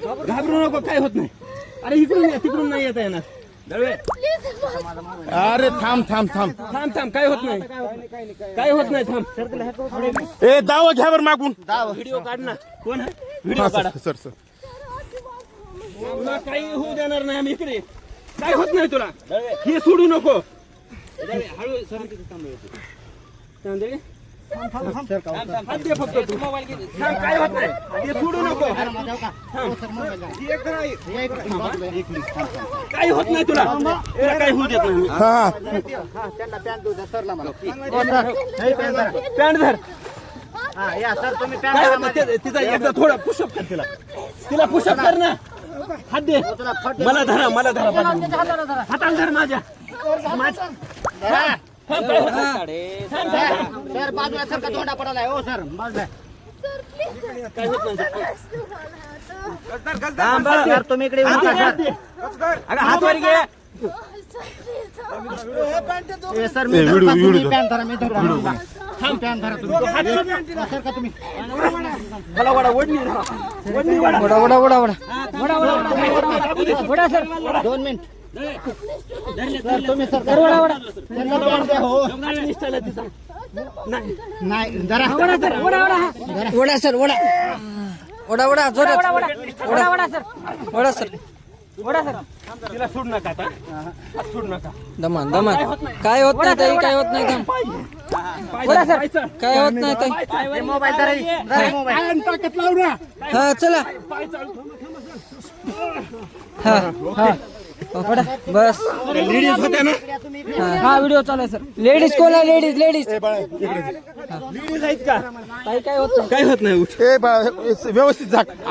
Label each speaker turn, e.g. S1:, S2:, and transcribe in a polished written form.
S1: घाबरू नको, काय होत नाही. अरे इकडून तिकडून नाही येता येणार. दळवे अरे थांब थांब थांब थांब थांब, काय होत नाही, काय होत नाही, थांब. ए दावा घ्या बरं मागून, व्हिडिओ काढ ना. कोण आहे? व्हिडिओ काढा. सर सर तुला काही होऊ देणार नाही आम्ही इकडे. काय होत नाही तुला, हे सोडू नको. हळू सर तांदळे हात दे फक्त तू. थांब, काय होत नाही, हे सोडू नको. काय होत नाही तुला, काय होऊ देत नाही. पॅन्ट धर. काय होत नाही, तिचा एकदा थोडा पुशअप कर, तिला पुशअप कर ना. हात दे मला, धरा मला, धरा हाताला धर माझ्या.
S2: सर बाजूला सर का तोंडा पडालाय. हो सर बाजूला सर तुम्ही इकडे हात वर घे. सर मी पॅन्ट धरा, मी धरा पॅन्ट धरा तुम्ही. सर का तुम्ही
S1: मला वडा ओढणी
S2: वडा वडा वडा वडा वडा वडा वडा सर 2 मिनिट. सर तुम्ही सर वडा वडा हो नाही जरा वडा सर वडा वडा वडा सर वडा वडा वडा जोरात vada vada sir vada sir vada sir.
S1: तिला सोड नका आता, सोड नका.
S2: दमान दमान काय होत नाही ताई, काय होत नाही. वडा सर काय होत नाही ताई. मोबाईल धरा, मोबाईल
S1: ताकद लाव ना.
S2: हा चला. हा हा वडा बस.
S1: लेडीज होत्या ना.
S2: हा व्हिडिओ चालू आहे सर. लेडीज कोण आहे? लेडीज लेडीज
S1: लेडीज आहेत का?
S2: ताई काय होत नाही.
S1: काय होत नाही. व्यवस्थित जा.